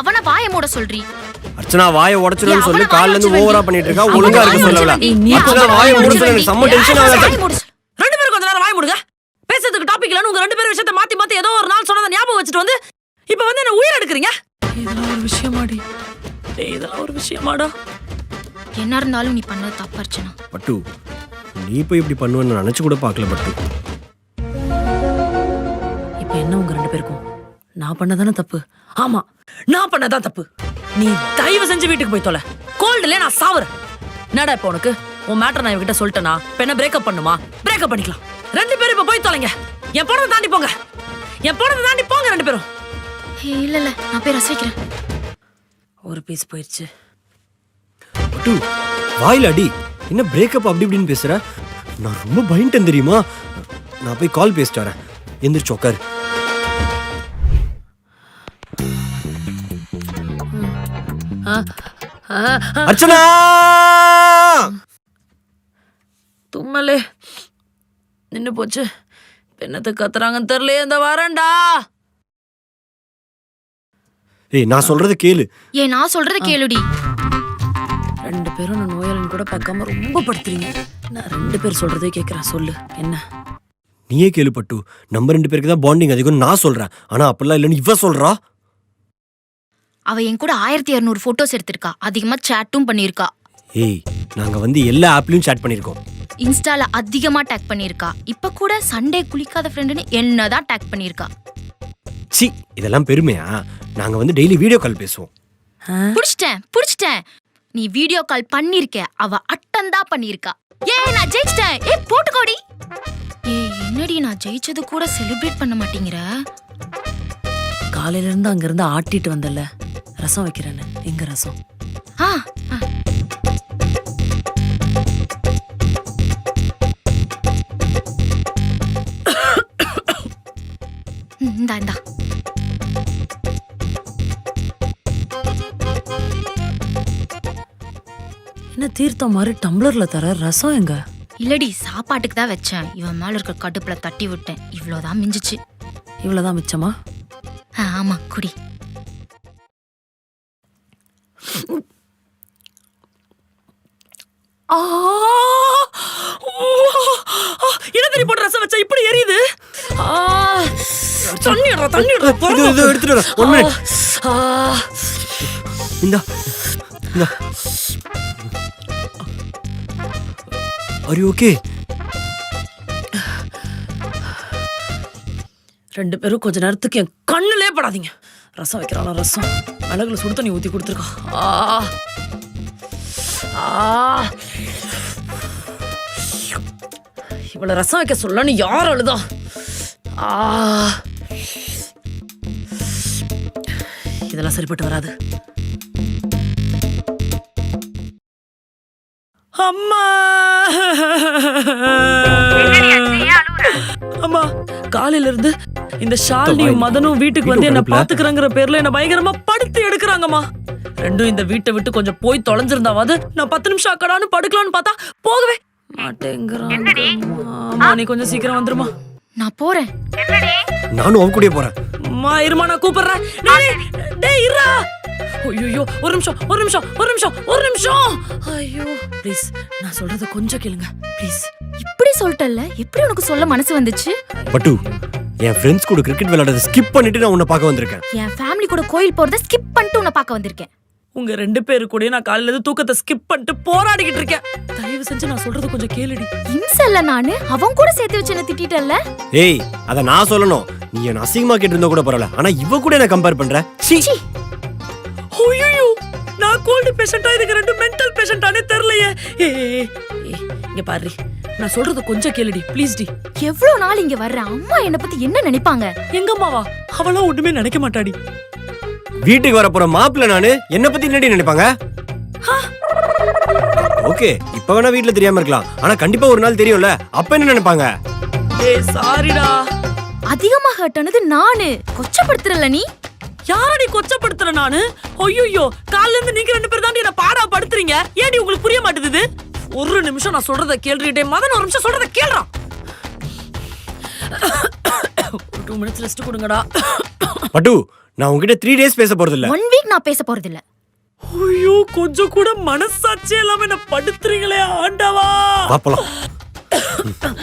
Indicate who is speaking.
Speaker 1: அவன வாயை மூட சொல்றீ.
Speaker 2: அர்ச்சனா வாயை உடைச்சிடுன்னு சொல்லி கால்ல இருந்து ஓவரா பண்ணிட்டு இருக்கா. ஒழுங்கா இருக்க சொல்லல. அர்ச்சனா வாயை மூட சொல்லி எனக்கு செம்ம டென்ஷன் ஆகுது.
Speaker 3: ரெண்டு பேரும் கொஞ்ச நேரம் வாய் மூடுங்க. பேசுறதுக்கு டாபிக் இல்லன்னு உங்க ரெண்டு பேரும் விஷயத்தை மாத்தி மாத்தி ஏதோ ஒரு நாள் சொன்னதை ஞாபகம் வச்சுட்டு வந்து இப்ப வந்து என்ன உயிர் எடுக்கிறீங்க. இதெல்லாம் ஒரு விஷயமாடி? இதெல்லாம் ஒரு விஷயமாடா?
Speaker 1: என்ன இருந்தாலும் நீ பண்ணது தப்பு அர்ச்சனா.
Speaker 2: பட்டு நீ போய் இப்படி பண்ணுவேன்னு நினைச்சு கூட பார்க்கல பட்டு.
Speaker 3: இப்ப என்ன உங்க ரெண்டு பேருக்கும் நான் பண்ணதானே தப்பு? ஆமா நான் பண்ணதான் தப்பு. நீ தயவு செஞ்சு வீட்டுக்கு போய் தொலை. கோல்டுல நான் சாவுறேன். என்னடா இப்ப உனக்கு உன் மேட்டர் நான் இவகிட்ட சொல்லிட்டேனா இப்ப என்ன பிரேக்கப் பண்ணுமா? பிரேக்கப் பண்ணிக்கலாம். ரெண்டு பேரும் இப்ப போய் தொலைங்க. என் போனதை தாண்டி போங்க. என் போனதை தாண்டி போங்க ரெண்டு பேரும்.
Speaker 1: இல்ல இல்ல நான் போய் ரசிக்கிறேன்.
Speaker 3: ஒரு பீஸ் போயிடுச்சு.
Speaker 2: பட்டு வாயில அடி. என்ன பிரேக்கப் அப்படி இப்படின்னு பேசுற? நான் ரொம்ப பயந்துட்டேன் தெரியுமா? நான் போய் கால் பேசிட்டு வரேன். எந்திரிச்சு உட்காரு. அர்ச்சனா
Speaker 3: தும்மலே நின்னு போச்சு. என்னத்தை கத்துறாங்கன்னு தெரியல. இந்த வரேன்டா.
Speaker 2: ஏய் நான் சொல்றது கேளு.
Speaker 1: நான் சொல்றத கேளுடி.
Speaker 3: ரெண்டு பேரும் நான் நோயாளின்னு கூட பார்க்காம ரொம்ப படுத்துறீங்க. நான் ரெண்டு பேர் சொல்றதே கேட்கறேன். சொல்லு என்ன?
Speaker 2: நீயே கேளு பட்டு. நம்ம ரெண்டு பேருக்கு தான் பாண்டிங் அதிகம் நான் சொல்றேன். ஆனா அப்பெல்லாம் இல்லன்னு இவ சொல்றா.
Speaker 1: அவ என் கூட 1200 போட்டோஸ் எடுத்திருக்கா. அதிகமா சாட்டும் பண்ணிருக்கா.
Speaker 2: ஏய் நாங்க வந்து எல்லா ஆப்லயும் சாட் பண்ணிருக்கோம்.
Speaker 1: இன்ஸ்டால அதிகமா டேக் பண்ணிருக்கா. இப்ப கூட சண்டே குளிக்காத ஃப்ரெண்டுன்னு என்னதான் டேக் பண்ணிருக்கா.
Speaker 2: சி இதெல்லாம் பெருமையா? நாங்க வந்து டெய்லி வீடியோ கால் பேசுவோம்.
Speaker 1: புடிச்சிட்டேன். நீ வீடியோ கால் பண்ணிருக்க. அவ அட்டன் தான் பண்ணிருக்கா. நான் ஜெயிச்சிட்டேன். போட்டுக்கோடி. என்னடி நான் ஜெயிச்சது கூட செலிப்ரேட் பண்ண மாட்டேங்கிற?
Speaker 3: காலையில இருந்து அங்க இருந்து ஆட்டிட்டு வந்தல. ரசம் வைக்கிறேன்னு. எங்க ரசம்?
Speaker 1: இந்தா
Speaker 3: என்ன தீர்த்தம் மாதிரி டம்ளர்ல தர ரசம் எங்க?
Speaker 1: இல்லடி சாப்பாட்டுக்கு தான் வச்சேன். இவன் மேல இருக்க கடுப்புல தட்டி விட்டேன். இவ்வளவுதான் மிஞ்சிச்சு.
Speaker 3: இவ்வளவுதான் மிச்சமா?
Speaker 1: ஆமா குடி.
Speaker 3: இடத்தறி போட்டு ரசம் வச்சா இப்படி எரியுது. தண்ணி
Speaker 2: எடுத்துட்டு வர. 1 மினிட். இந்தா. Are you okay?
Speaker 3: ரெண்டு பேரும் கொஞ்ச நேரத்துக்கு என் கண்ணுலே படாதீங்க. ரசம் வைக்கிறாளா? ரசம் மிளகுல சுடு தண்ணி ஊத்தி கொடுத்துருக்கா. இவ்வளவு ரசம் வைக்க சொல்லன்னு யார் அழுதா? இதெல்லாம் சரிப்பட்டு வராது. அம்மா அம்மா காலையில இருந்து இந்த ஷாலினியும் மதனும் வீட்டுக்கு வந்து என்ன பாத்துக்கிறங்கிற பேர்ல என்ன பயங்கரமா படுத்து எடுக்கிறாங்கம்மா. ரெண்டும் இந்த வீட்டை விட்டு கொஞ்சம் போய் தொலைஞ்சிருந்தாவது நான் 10 நிமிஷம் அக்கடான்னு படுக்கலான்னு பார்த்தா போகவே மாட்டேங்கிறான். நீ கொஞ்சம் சீக்கிரம் வந்துருமா.
Speaker 1: நான் போறேன்.
Speaker 2: நானும் அவன் கூட போறேன்.
Speaker 3: அம்மா இருமா நான் கூப்பிடுறேன். டேய் இருடா. ஐயோ ஒரு நிமிஷம். ஐயோ ப்ளீஸ் நான் சொல்றத கொஞ்சம் கேளுங்க ப்ளீஸ்.
Speaker 1: இப்படி சொல்லிட்டல்ல, எப்படி உனக்கு சொல்ல மனசு வந்துச்சு?
Speaker 2: பட்டு என் ஃப்ரெண்ட்ஸ் கூட கிரிக்கெட் விளையாடுறத ஸ்கிப் பண்ணிட்டு நான் உன்னை பார்க்க வந்திருக்கேன்.
Speaker 1: என் ஃபேமிலி கூட கோயில் போறத ஸ்கிப் பண்ணிட்டு உன்னை பார்க்க வந்திருக்கேன்.
Speaker 3: உங்க ரெண்டு பேரு கூட நான் காலையில இருந்து தூக்கத்தை ஸ்கிப் பண்ணிட்டு போராடிக்கிட்டு இருக்கேன். தயவு செஞ்சு நான் சொல்றத கொஞ்சம் கேளுடி.
Speaker 1: இம்சல்ல நானு அவன் கூட சேர்த்து வச்சு என்ன திட்டிட்டல்ல.
Speaker 2: ஏய் அத நான் சொல்லணும். நீ என்ன அசிங்கமா கேட்டிருந்தா கூட பரவாயில்ல. ஆனா இவ கூட என்ன கம்பேர் பண்ற? சீ.
Speaker 3: ஐயோ நான் கோல்டு பேஷண்டா இதுக்கு ரெண்டு மென்டல் பேஷண்டானே தெரியலையே. இங்க பாரு நான் சொல்றது கொஞ்சம் கேளுடி ப்ளீஸ் டி.
Speaker 1: எவ்வளவு நாள் இங்க வர்ற அம்மா என்ன பத்தி என்ன நினைப்பாங்க?
Speaker 3: எங்க அம்மாவா? அவளா ஒண்ணுமே நினைக்க மாட்டாடி.
Speaker 2: வீட்டுக்கு வர போற மாப்பிள்ள நானு என்ன பத்தி என்னடி நினைப்பாங்க? ஓகே இப்ப வேணா வீட்டுல தெரியாம இருக்கலாம். ஆனா கண்டிப்பா ஒரு நாள் தெரியும்ல. அப்ப என்ன நினைப்பாங்க?
Speaker 3: ஏய் சாரிடா.
Speaker 1: அதிகமா ஹர்ட் ஆனது நானு. கொச்சப்படுத்துறல நீ.
Speaker 3: யாரடி கொச்சப்படுத்துற நானு? ஐயோ கால்ல இருந்து நீங்க ரெண்டு பேர் தான் என்ன பாடா படுத்துறீங்க. ஏடி உங்களுக்கு புரிய மாட்டேங்குது? ஒரு நிமிஷம் நான் சொல்றத கேளுடே. மதன் ஒரு நிமிஷம் சொல்றத கேளுடா. 2 minutes ரெஸ்ட் கொடுங்கடா.
Speaker 2: பட்டு நான் உங்ககிட்ட 3 days பேச போறது இல்ல.
Speaker 1: 1 வீக் நான் பேச போறது இல்ல.
Speaker 3: ஐயோ கொஞ்சம் கூட மனசாட்சி இல்லாம என்ன படுத்துறீங்களே ஆண்டவா.
Speaker 2: பாப்பலாம்.